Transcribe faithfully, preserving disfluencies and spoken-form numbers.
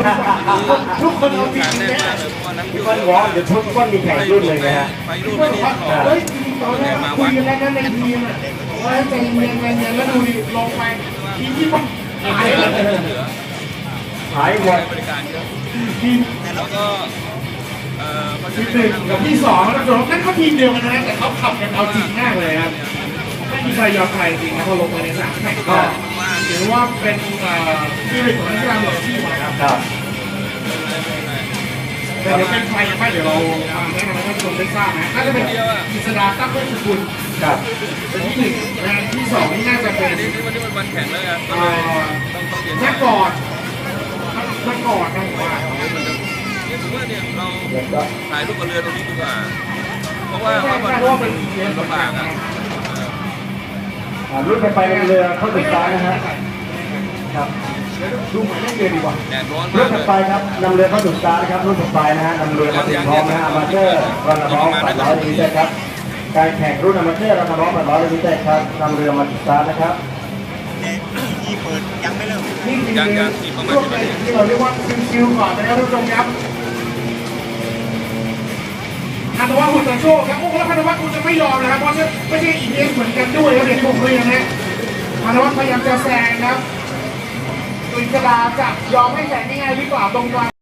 ทุกคนเอาจริงแน่แน่มากเลยเพราะว่านักพี่ก้อนวอล์กเดี๋ยวทุกก้อนมีแข่งรุ่นเลยนะฮะไปรุ่นไม่ได้หรอกเฮ้ยตอนแรกคุยกันแล้วนะในทีมอ่ะว่าใจเย็นใจเย็นแล้วดูดิลงไปทีมที่ต้องหายเลยเหลือหายหมดบริการเยอะทีมแล้วก็เอ่อเขาจะทีมหนึ่งกับที่สองแล้วนั่นก็ทีมเดียวกันนะแต่เขาขับกันเอาจริงมากเลยครับไม่มีใครยอมใครจริงนะพอลงมาในสนามแข่งก็ถือว่าเป็นที่เป็นของนักกีฬามืออาชีพนะครับครับแต่เดี๋ยวเป็นใครยังไม่เดี๋ยวเราแนะนำให้ท่านผู้ชมได้ทราบนะน่าจะเป็นกิษดาตั้งเวชกุลครับเป็นที่หนึ่งและที่สองนี่น่าจะเป็นนี่นี่วันนี้มันวันแข่งแล้วไงเอ่อต้องต้องเรียนนักกอดนักกอดนะผมว่าเนี่ยผมว่าเนี่ยเราเดี๋ยวก็ถ่ายรูปกับเรือตรงนี้ดีกว่า เพราะว่าเพราะมันมันลำบากอ่ะอ่ารุ่นไปในเรือเข้าถึงซ้ายนะฮะครับดูหมายเลขเรือดีกว่าแดดร้อนรุ่มาน กเลถัดยไปครับนำเรือเข้าถึงซ้ายนะครับรุ่นถัดไปนะฮะนำเรือมาถึงพร้อมนะฮะอามาเตอร์รันร้องแปดร้อยลิตรครับการแข่งรุ่นอามาเตอร์รันร้องแปดร้อยลิตรครับนำเรือมาถึงซ้ายนะครับที่เปิดยังไม่เริ่มนี่คือช่วงที่เราเรียกว่าคิวๆก่อนนะครับท่านผู้ชมครับพันวัฒน์หุ่นตะโชคครับโอ้แล้วพันวัฒน์คุณจะไม่ยอมนะครับเพราะไม่ใช่อีเอสเหมือนกันด้วยครับเด็กผมเลยนะฮะพันวัฒน์พยายามจะแซงครับตุยกระดาจะยอมให้แซงง่ายๆดีกว่าตรงกลาง